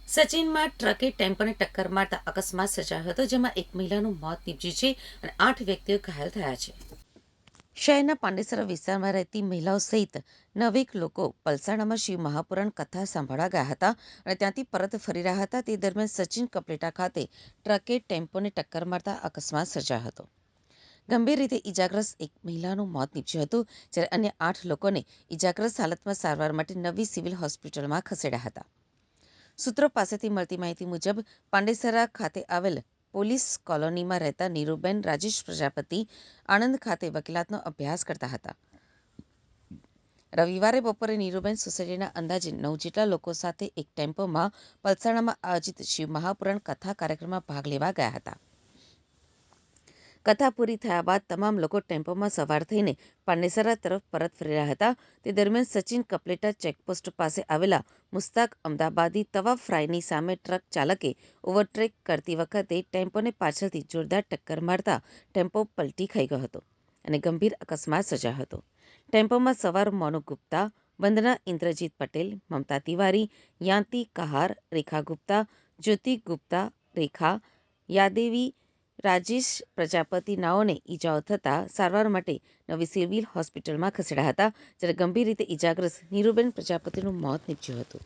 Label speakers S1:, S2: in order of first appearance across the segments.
S1: સચિનમાં ટ્રકે ટેમ્પોને ટક્કર મારતા અકસ્માત સર્જાયો હતો, જેમાં એક મહિલાનું મોત નીપજ્યું છે અને 8 વ્યક્તિઓ ઘાયલ થયા છે. શહેરના પાંડેસરા વિસ્તારમાં રહેતી મહિલાઓ સહિત 9 લોકો પલસાણામાં શિવ મહાપુરાણ કથા સાંભળવા ગયા હતા અને ત્યાંથી પરત ફરી રહ્યા હતા. તે દરમિયાન સચિન કપલેટા ખાતે ટ્રકે ટેમ્પોને ટક્કર મારતા અકસ્માત સર્જાયો હતો. ગંભીર રીતે ઇજાગ્રસ્ત એક મહિલાનું મોત નીપજ્યું હતું, જ્યારે અન્ય 8 લોકોને ઇજાગ્રસ્ત હાલતમાં સારવાર માટે નવી સિવિલ હોસ્પિટલમાં ખસેડ્યા હતા. સૂત્રો પાસેથી મળતી માહિતી મુજબ પાંડેસરા ખાતે આવેલ પોલીસ કોલોનીમાં રહેતા નીરુબેન રાજેશ પ્રજાપતિ આણંદ ખાતે વકીલાતનો અભ્યાસ કરતા હતા. રવિવારે બપોરે નીરુબેન સોસાયટીના અંદાજે 9 જેટલા લોકો સાથે એક ટેમ્પોમાં પલસાણામાં આયોજિત શિવ મહાપુરાણ કથા કાર્યક્રમમાં ભાગ લેવા ગયા હતા. કથા પૂરી થયા બાદ તમામ લોકો ટેમ્પોમાં સવાર થઈને પાંડેસરા તરફ પરત ફરી રહ્યા હતા. તે દરમિયાન સચિન કપલેટા ચેકપોસ્ટ પાસે આવેલા મુસ્તાક અમદાબાદી તવા ફ્રાયની સામે ટ્રક ચાલકે ઓવરટેક કરતી વખતે ટેમ્પોને પાછળથી જોરદાર ટક્કર મારતા ટેમ્પો પલટી ખાઈ ગયો હતો અને ગંભીર અકસ્માત સર્જાયો હતો. ટેમ્પોમાં સવાર મોનુ ગુપ્તા, વંદના ઇન્દ્રજીત પટેલ, મમતા તિવારી, યાંતિ કહાર, રેખા ગુપ્તા, જ્યોતિ ગુપ્તા, રેખા યાદેવી, રાજેશ પ્રજાપતિ નાઓને ઈજાઓ થતાં સારવાર માટે નવી સિવિલ હોસ્પિટલમાં ખસેડાયા હતા, જ્યારે ગંભીર રીતે ઈજાગ્રસ્ત નીરુબેન પ્રજાપતિનું મોત નીપજ્યું હતું.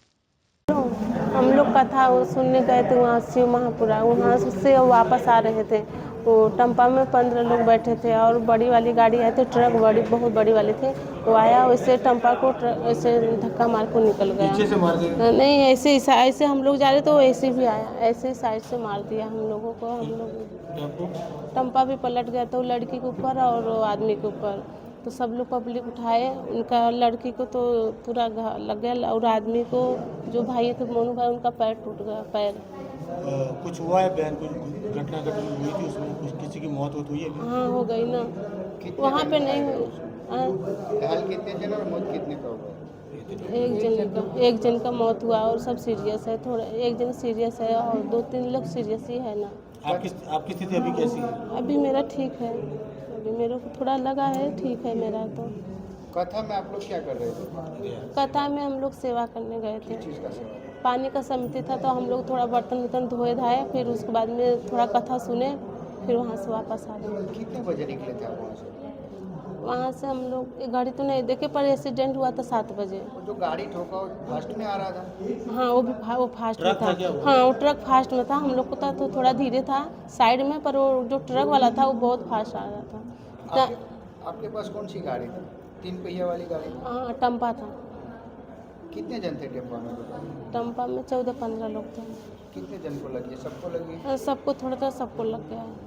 S2: हम लोग कथा सुनने गए थे वहाँ शिव महापुरा, वहाँ से वापस आ रहे थे। वो टम्पा में 15 लोग बैठे थे और बड़ी वाली गाड़ी आई थी, ट्रक बहुत बड़ी वाली थी। वो आया, वैसे टम्पा को ऐसे धक्का मार को निकल गया।
S3: पीछे से मार दिया?
S2: नहीं, ऐसे हम लोग जा रहे तो ऐसे भी आया, ऐसे साइड से मार दिया हम लोगों को। हम लोग टम्पा भी पलट गया तो लड़की के ऊपर और आदमी के ऊपर, तो सब लोग पब्लिक उठाए। उनका लड़की को तो पूरा लग गया और आदमी को जो भाई थे मोनू भाई, उनका पैर टूट गया। पैर
S3: कुछ हुआ है बहन, कुछ घटना हुई थी उसमें, कुछ किसी की मौत हुई है?
S2: हाँ, हो गई ना, वहाँ पे नहीं हुई।
S4: घायल कितने जन और मौत कितने का हुआ?
S2: एक जन का मौत हुआ और सब सीरियस है। थोड़ा एक जन सीरियस है और 2-3 लोग सीरियस ही है ना।
S3: आपकी स्थिति अभी कैसी है?
S2: अभी मेरा ठीक है, अभी मेरे को थोड़ा लगा है, ठीक है मेरा। तो
S4: कथा में आप लोग क्या कर रहे थे?
S2: कथा में हम लोग सेवा करने गए थे।
S4: किस चीज़ का सेवा?
S2: पानी का समिति था तो हम लोग थोड़ा बर्तन धोए धाए, फिर उसके बाद में थोड़ा कथा सुने, फिर वहाँ से वापस आ गए।
S4: कितने बजे निकले थे आप वहाँ से?
S2: वहाँ से हम लोग गाड़ी तो नहीं देखे, पर एक्सीडेंट हुआ था 7 बजे।
S4: वो जो गाड़ी ठोका वो फास्ट में आ रहा था?
S2: हाँ, वो फास्ट में था। हाँ, वो ट्रक फास्ट में था। हम लोग को था तो थोड़ा धीरे था साइड में, पर वो जो ट्रक वाला था वो बहुत फास्ट आ रहा था।
S4: आपके पास कौन सी गाड़ी थी? 3 पहिया वाली गाड़ी थी?
S2: हाँ, टम्पा था।
S4: कितने जन थे टेम्पो में?
S2: टम्पा में 14-15 लोग थे।
S4: कितने जन को लगी है? सबको लगी है?
S2: सबको थोड़ा सबको लग गया है।